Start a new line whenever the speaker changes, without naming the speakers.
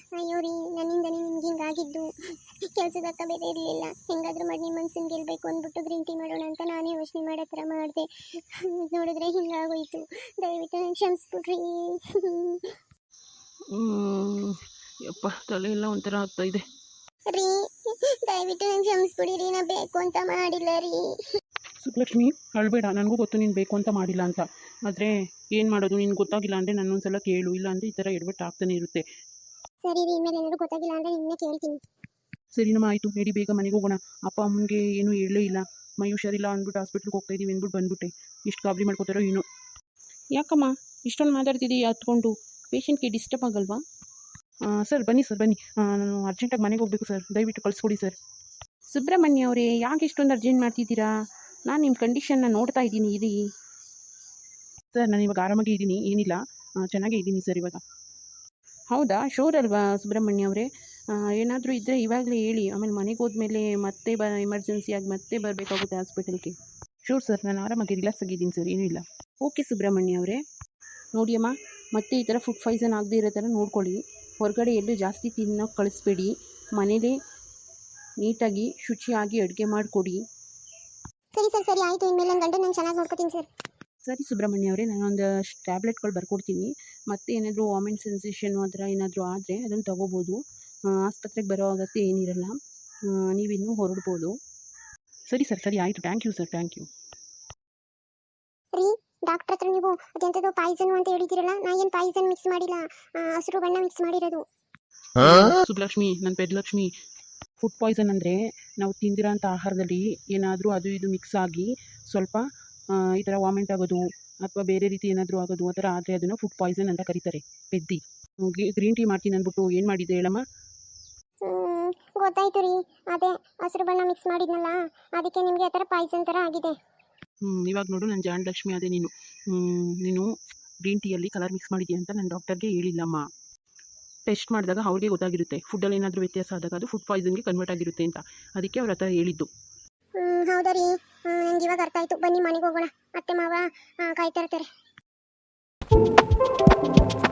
ಅಯ್ಯೋ ರೀ, ನನ್ನಿಂದನೇ ನಿಮ್ಗೆ ಹಿಂಗಾಗಿದ್ದು. ಕೆಲಸದಕ್ಕ ಬೇರೆ ಇರಲಿಲ್ಲ. ಹೆಂಗಾದ್ರೂ ಮಾಡಿ ನಿಮ್ಮ ಮನ್ಸನ್ನು ಗೆಲ್ಲಬೇಕು ಅಂದ್ಬಿಟ್ಟು ಗ್ರೀನ್ ಟೀ ಮಾಡೋಣ ಅಂತ ನಾನೇ ಯೋಚನೆ ಮಾಡೋ ಥರ ಮಾಡಿದೆ. ನೋಡಿದ್ರೆ ಹಿಂಗಾಗೋಯ್ತು. ದಯವಿಟ್ಟು ನಂಗೆ ಕ್ಷಮಿಸ್ಬಿಡ್ರಿ.
ಯಪ್ಪ, ತಲೆ ಎಲ್ಲ ಒಂಥರ ಆಗ್ತಾ ಇದೆ
ರೀ. ದಯವಿಟ್ಟು ನಂಗೆ ಕ್ಷಮಿಸ್ಬಿಡಿರಿ, ನಾ ಬೇಕು ಅಂತ ಮಾಡಿಲ್ಲ ರೀ.
ಸುಬ್ಲಕ್ಷ್ಮಿ, ಅಳ್ಬೇಡ. ನನಗೂ ಗೊತ್ತು ನೀನು ಬೇಕು ಅಂತ ಮಾಡಿಲ್ಲ ಅಂತ. ಆದರೆ ಏನು ಮಾಡೋದು, ನಿನ್ಗೆ ಗೊತ್ತಾಗಿಲ್ಲ ಅಂದರೆ ನನ್ನೊಂದ್ಸಲ ಕೇಳು. ಇಲ್ಲ ಅಂದರೆ ಈ ಥರ ಎಡವಟ್ಟು ಆಗ್ತಾನೆ ಇರುತ್ತೆ.
ಸರಿ ರೀ, ಇನ್ಮೇಲೆ ಏನಾದರೂ ಗೊತ್ತಾಗಿಲ್ಲ ಅಂದರೆ ನಿನ್ನೆ ಕೇಳ್ತೀನಿ.
ಸರಿನಮ್ಮ, ಆಯಿತು, ನಡಿ, ಬೇಗ ಮನೆಗೆ ಹೋಗೋಣ. ಅಪ್ಪ ಅಮ್ಮನಿಗೆ ಏನೂ ಹೇಳಲೇ ಇಲ್ಲ. ಮೈ ಹುಷಾರಿಲ್ಲ ಅಂದ್ಬಿಟ್ಟು ಹಾಸ್ಪಿಟ್ಲಿಗೆ ಹೋಗ್ತಾ ಇದ್ದೀವಿ ಅಂದ್ಬಿಟ್ಟು ಬಂದ್ಬಿಟ್ಟೆ. ಇಷ್ಟು ಗಾಬರಿ ಮಾಡ್ಕೋತಾರೋ ಏನೋ. ಯಾಕಮ್ಮ ಇಷ್ಟೊಂದು ಮಾತಾಡ್ತಿದ್ದೀವಿ ಹತ್ಕೊಂಡು? ಪೇಷಂಟ್ಗೆ ಡಿಸ್ಟರ್ಬ್ ಆಗಲ್ವಾ? ಸರ್ ಬನ್ನಿ ಸರ್, ಬನ್ನಿ. ನಾನು ಅರ್ಜೆಂಟಾಗಿ ಮನೆಗೆ ಹೋಗಬೇಕು ಸರ್, ದಯವಿಟ್ಟು ಕಳಿಸ್ಕೊಡಿ ಸರ್. ಸುಬ್ರಹ್ಮಣ್ಯ ಅವರೇ, ಯಾಕೆ ಇಷ್ಟೊಂದು ಅರ್ಜೆಂಟ್ ಮಾಡ್ತಿದ್ದೀರಾ? ನಾನು ನಿಮ್ಮ ಕಂಡೀಷನ್ನ ನೋಡ್ತಾ ಇದ್ದೀನಿ. ಇರಿ ಸರ್, ನಾನು ಇವಾಗ ಆರಾಮಾಗಿ ಇದ್ದೀನಿ, ಏನಿಲ್ಲ, ಚೆನ್ನಾಗೇ ಇದ್ದೀನಿ ಸರ್ ಇವಾಗ. ಹೌದಾ, ಶೋರ್ ಅಲ್ವಾ ಸುಬ್ರಹ್ಮಣ್ಯ ಅವರೇ? ಏನಾದರೂ ಇದ್ದರೆ ಇವಾಗಲೇ ಹೇಳಿ, ಆಮೇಲೆ ಮನೆಗೆ ಹೋದ್ಮೇಲೆ ಮತ್ತೆ ಎಮರ್ಜೆನ್ಸಿಯಾಗಿ ಮತ್ತೆ ಬರಬೇಕಾಗುತ್ತೆ ಹಾಸ್ಪಿಟಲ್ಗೆ. ಶೋರ್ ಸರ್, ನಾನು ಆರಾಮಾಗಿ ರಿಲ್ಯಾಕ್ಸ್ ಆಗಿದ್ದೀನಿ ಸರ್, ಏನೂ ಇಲ್ಲ. ಓಕೆ ಸುಬ್ರಹ್ಮಣ್ಯ ಅವರೇ. ನೋಡಿಯಮ್ಮ, ಮತ್ತೆ ಈ ಥರ ಫುಡ್ ಪಾಯ್ಸನ್ ಆಗದೆ ಇರೋ ಥರ ನೋಡ್ಕೊಳ್ಳಿ. ಹೊರಗಡೆ ಎಲ್ಲೂ ಜಾಸ್ತಿ ತಿನ್ನೋಕೆ ಕಳಿಸ್ಬೇಡಿ. ಮನೇಲೇ ನೀಟಾಗಿ ಶುಚಿಯಾಗಿ ಅಡುಗೆ ಮಾಡಿಕೊಡಿ.
ಸರಿ ಸರ್, ಸರಿ ಆಯಿತು. ಇನ್ಮೇಲೆ ನನ್ನ ಗಂಡ ನಾನು ಚೆನ್ನಾಗಿ ನೋಡ್ಕೊತೀನಿ ಸರ್.
ಸರಿ ಸುಬ್ರಹ್ಮಣ್ಯ ಅವರೇ, ನಾನೊಂದು ಟ್ಯಾಬ್ಲೆಟ್ಗಳು ಬರ್ಕೊಡ್ತೀನಿ. ಮತ್ತೆ ಏನಾದರೂ ವಾಮಿಟ್ ಸೆನ್ಸೇಷನು ಆ ಥರ ಏನಾದರೂ ಆದರೆ ಅದನ್ನು ತೊಗೋಬೋದು. ಆಸ್ಪತ್ರೆಗೆ ಬರೋ ಅಗತ್ಯ ಏನಿರಲ್ಲ. ನೀವಿನ್ನೂ ಹೊರಡ್ಬೋದು. ಸರಿ ಸರ್, ಸರಿ ಆಯಿತು. Thank you sir, thank you.
ರೀ, ಡಾಕ್ಟ್ರ್ ಹತ್ರ ನೀವು ಅದೆಂಥದ್ದು ಪಾಯ್ಸನ್ ಅಂತ ಹೇಳಿದಿರಲ್ಲ, ನಾ ಏನು ಪಾಯ್ಸನ್ ಮಿಕ್ಸ್ ಮಾಡಿಲ್ಲ, ಹಸಿರು ಬಣ್ಣ ಮಿಕ್ಸ್ ಮಾಡಿರೋದು.
ಸುಬ್ಲಕ್ಷ್ಮಿ, ನನ್ನ ಪೆದ್ಲಕ್ಷ್ಮಿ, ಫುಡ್ ಪಾಯ್ಸನ್ ಅಂದರೆ ನಾವು ತಿಂದಿರೋಂಥ ಆಹಾರದಲ್ಲಿ ಏನಾದರೂ ಅದು ಇದು ಮಿಕ್ಸ್ ಆಗಿ ಸ್ವಲ್ಪ ಈ ಥರ ವಾಮಿಂಟ್ ಆಗೋದು ಅಥವಾ ಬೇರೆ ರೀತಿ ಏನಾದರೂ ಆಗೋದು ಆ ಥರ ಆದರೆ ಅದನ್ನು ಫುಡ್ ಪಾಯ್ಸನ್ ಅಂತ ಕರೀತಾರೆ. ಪೆದ್ದಿ, ಗ್ರೀನ್ ಟೀ ಮಾಡ್ತೀನಿ ಅಂದ್ಬಿಟ್ಟು ಏನು ಮಾಡಿದ್ದೆ ಹೇಳಮ್ಮ?
ಗೊತ್ತಾಯ್ತು ರೀ, ಅದೇ ಹಸಿರು ಬಣ್ಣ ಮಿಕ್ಸ್ ಮಾಡಿದ್ನಲ್ಲ, ಅದಕ್ಕೆ ನಿಮಗೆ ಆ ಥರ ಪಾಯ್ಸನ್ ಥರ ಆಗಿದೆ.
ಇವಾಗ ನೋಡು, ನನ್ನ ಜಾಣ ಲಕ್ಷ್ಮಿ ಅದೇ ನೀನು ಗ್ರೀನ್ ಟೀಯಲ್ಲಿ ಕಲರ್ ಮಿಕ್ಸ್ ಮಾಡಿದ್ದೀಯ ಅಂತ ನನ್ನ ಡಾಕ್ಟರ್ಗೆ ಹೇಳಿಲ್ಲಮ್ಮ. ಟೆಸ್ಟ್ ಮಾಡಿದಾಗ ಅವ್ರಿಗೆ ಗೊತ್ತಾಗಿರುತ್ತೆ, ಫುಡ್ಡಲ್ಲಿ ಏನಾದರೂ ವ್ಯತ್ಯಾಸ ಆದಾಗ ಅದು ಫುಡ್ ಪಾಯ್ಸನ್ಗೆ ಕನ್ವರ್ಟ್ ಆಗಿರುತ್ತೆ ಅಂತ. ಅದಕ್ಕೆ ಅವ್ರ ಹತ್ರ ಹೇಳಿದ್ದು.
ಹೌದಾ ರೀ, ನಂಗೆ ಇವಾಗ ಅರ್ಥ ಆಯಿತು. ಬನ್ನಿ ಮನೆಗೆ ಹೋಗೋಣ, ಅತ್ತೆ ಮಾವ ಕಾಯ್ತಾ ಇರ್ತಾರೆ.